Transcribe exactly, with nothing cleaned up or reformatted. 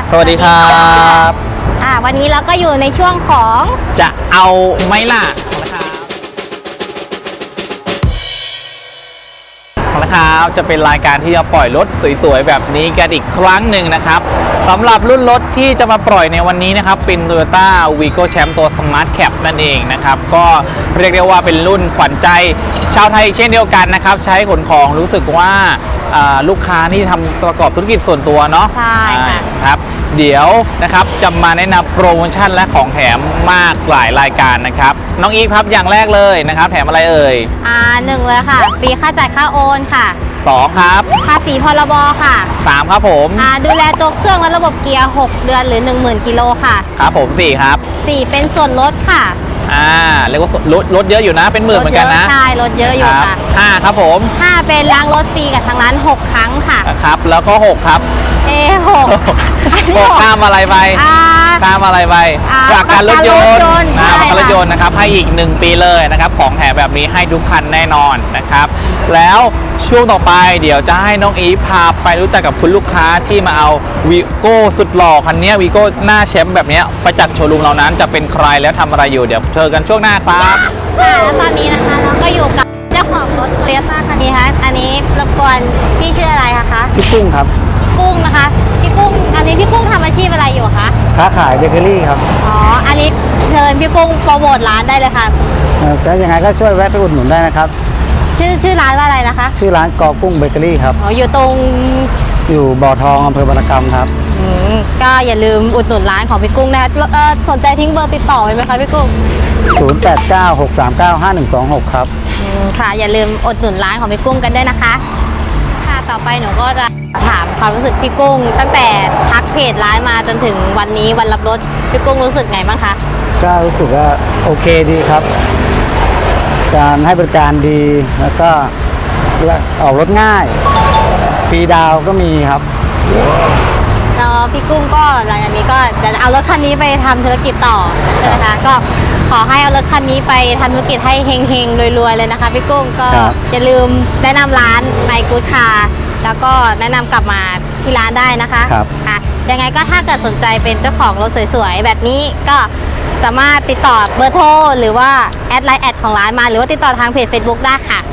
สวัสดีครับอ่าวันนี้เราก็อยู่ในช่วงของจะเอาไหมล่ะนะครับนะครับจะเป็นรายการที่จะปล่อยรถสวยๆแบบนี้กันอีกครั้งหนึ่งนะครับสำหรับรุ่นรถที่จะมาปล่อยในวันนี้นะครับเป็น Toyota Vigo Champ ตัว Smart Cab นั่นเองนะครับก็เรียกได้ว่าเป็นรุ่นขวัญใจชาวไทยเช่นเดียวกันนะครับใช้ขนของรู้สึกว่าลูกค้าที่ทำประกอบธุรกิจส่วนตัวเนาะใช่ค่ะครับเดี๋ยวนะครับจะมาแนะนำโปรโมชั่นและของแถมมากหลายรายการนะครับน้องอีฟครับอย่างแรกเลยนะครับแถมอะไรเอ่ยอ่าหนึ่งเลยค่ะฟรีค่าจ่ายค่าโอนค่ะสองครับภาษีพรบค่ะสามครับผมอ่าดูแลตัวเครื่องและระบบเกียร์หกเดือนหรือ หนึ่งหมื่น กิโลค่ะครับผมสี่ครับสี่เป็นส่วนลดค่ะอ่าเรียกว่าลดลดเยอะอยู่นะเป็นหมื่นเหมือนกันนะใช่ลดเยอะอยู่ค่ะห้าครับผมห้าเป็นล้างรถฟรีกับทางร้านหกครั้งค่ะครับแล้วก็หกครับเอหกหกข้ามอะไรไปข้ามอะไรไปจากการรถยนต์นะประกันรถยนต์นะครับให้อีกหนึ่งปีเลยนะครับของแถมแบบนี้ให้ทุกคันแน่นอนนะครับแล้วช่วงต่อไปเดี๋ยวจะให้น้องอีฟพาไปรู้จักกับคุณลูกค้าที่มาเอาวีโก้สุดหล่อคันนี้วีโก้หน้าแชมป์แบบนี้ไปจัดโชว์รูมเรานั้นจะเป็นใครแล้วทำอะไรอยู่เดี๋ยวเจอกันช่วงหน้าครับค่ะแล้วตอนนี้นะคะเราก็อยู่กับเจ้าของรถโตโยต้าคันนี้ค่ะอันนี้รบกวนพี่ชื่ออะไรคะชื่อกุ้งครับพี่กุ้งนะคะพี่กุ้งอันนี้พี่กุ้งทำอาชีพอะไรอยู่คะค้าขายเบเกอรี่ครับอ๋ออันนี้เชิญพี่กุ้งโปรโมทร้านได้เลยค่ะจะยังไงก็ช่วยแวะไปอุดหนุนได้นะครับชื่อชื่อร้านว่าอะไรนะคะชื่อร้านกอกุ้งเบเกอรี่ครับอ๋ออยู่ตรงอยู่บ่อทองอำเภอบารกรรมครับอืมก็อย่าลืมอุดหนุนร้านของพี่กุ้งนะคะเออสนใจทิ้งเบอร์ติดต่อไว้ไหมคะพี่กุ้งศูนย์ แปด เก้า หก สาม เก้า ห้า หนึ่ง สอง หกครับอืมค่ะอย่าลืมอุดหนุนร้านของพี่กุ้งกันด้วยนะคะค่ะต่อไปหนูก็จะถามความรู้สึกพี่กุ้งตั้งแต่ทักเพจร้านมาจนถึงวันนี้วันรับรถพี่กุ้งรู้สึกไงบ้างคะก็รู้สึกว่าโอเคดีครับการให้บริการดีแล้วก็ออกรถง่ายฟรีดาวก็มีครับแล้วพี่กุ้งก็หลังจากนี้ก็จะเอารถคันนี้ไปทำธุรกิจต่อใช่ไหมคะก็ขอให้เอารถคันนี้ไปทำธุรกิจให้เฮงๆรวยๆเลยนะคะพี่กุ้งก็อย่าลืมแนะนำร้านไมค์กู๊ดคาร์แล้วก็แนะนำกลับมาที่ร้านได้นะคะค่ะยังไงก็ถ้าเกิดสนใจเป็นเจ้าของรถสวยๆแบบนี้ก็สามารถติดต่อเบอร์โทรหรือว่าแอดไลน์แอดของร้านมาหรือว่าติดต่อทางเพจ Facebook ได้ค่ะ